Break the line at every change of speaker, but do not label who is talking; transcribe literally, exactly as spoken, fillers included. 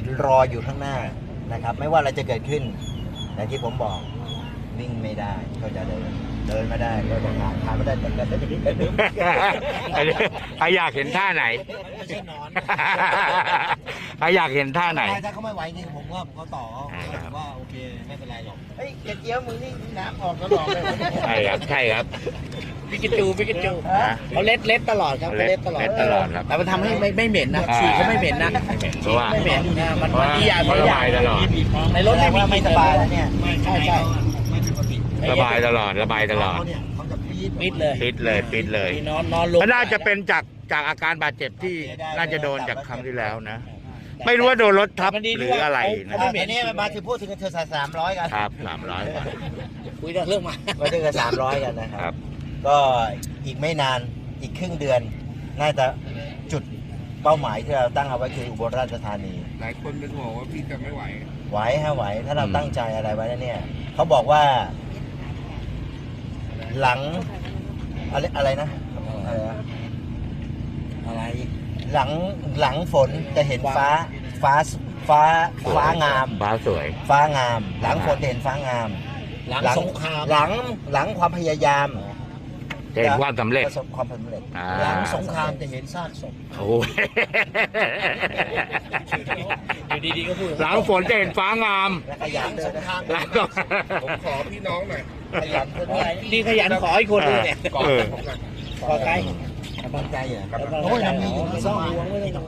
รออยู่ข้างหน้านะครับ ไม่ว่าอะไรจะเกิดขึ้นอย่างที่ผมบอกวิ่งไม่ได้ก็จะเดินเดินไม่ได้ก็จะขาขาไม่ได้แต่ก็จะดิ้น
อ่ะอยากเห็นท่าไหน
ไม่ใช่นอน
อ่ะอยากเห็นท่าไหน
ถ้าเขาไม่ไหวจริงผมว่าเขาต่อ
อ่า
ผมว่าโอเคไม่เป็นไรหรอกเฮ้ยกระเจี๊ยวมึงนี่น้ำออกตลอดเลย
ใช่ครับใช่ครับ
พิกาจูพิกาจู
ฮะ
เขาเล็ดเล็ดตลอดครับเขาเล็ดตลอด
เล็ดตลอดครับ
แต่มันทำให้ไม่ไม่เหม็นนะ
อ่า
ฉี่เขาไม่เหม็นนะ
เพราะว่า
ไม่เหม็นนะมัน
เพราะ
มัน
ว่า
ดีอย่าง
เขา
ดี
ระ
อย่า
บาง ยตลอด
ในรถไม่มี
ไม่สบายแล้วเนี่ย
ใช่ใช่
ระบายตลอดระบายตลอด
เขาเนี่ยเขาจะปี๊ด
ปิดเลย
ปิดเลยปิดเลย
นอนนอนลง
ก็น่าจะเป็นจากจากอาการบาดเจ็บที่น่าจะโดนจากครั้งที่แล้วนะ ไม่รู้ว่าโดนรถทับหรืออะไรนะ
อ่าทีนี้มาถึงพูดถึงเธอใส่สามร้อยกัน
ครับสามร้อย
คุยเรื่องมา
มาถึงกันสามร้อยกันนะค
ครั
รับ
บ
ก็อีกไม่นานอีกครึ่งเดือน น่าจะจุดเป้าหมายที่เราตั้งเอาไว้คืออุบลราชธานี
หลายคนเป็นห่วงว่าพี่จะไม่ไหว
ไหวฮะไหวถ้าเรา
อืม
ตั้งใจอะไรไว้แล้วเนี่ยเขาบอกว่า หลังอะไรอะไรนะอะไรนะ
อะไร
หลังหลังฝนจะเห็นฟ้าฟ้าฟ้าฟ้างาม
ฟ้าสวย
ฟ้างาม หลังฝนจะเห็นฟ้างาม
หลังสงคราม
หลังหลังความพยายาม
จะเห็นความสำเร็จ
ประสบความสำเร็จ
อ่า
หลังสงครามจะเห็นซากศพ
โอ้ย
อยู่ดีๆก็พูด
หลังฝนจะเห็นฟ้างาม
และขยันด้วยนะ
หลัง
ผมขอพี่น้องหน่อย
ขยันด้วยนะ
นี่ขยันขออีกคนนึงเนี่ย
กอด
เออ
ผมหน่อย
ขอใคร
กำลังใจเหรอ
กำลังใจ
โอ้ยเรามีอยู่
ไม่
ที่
ต้
ส
อง
มา
ห่วงไม่ต้อง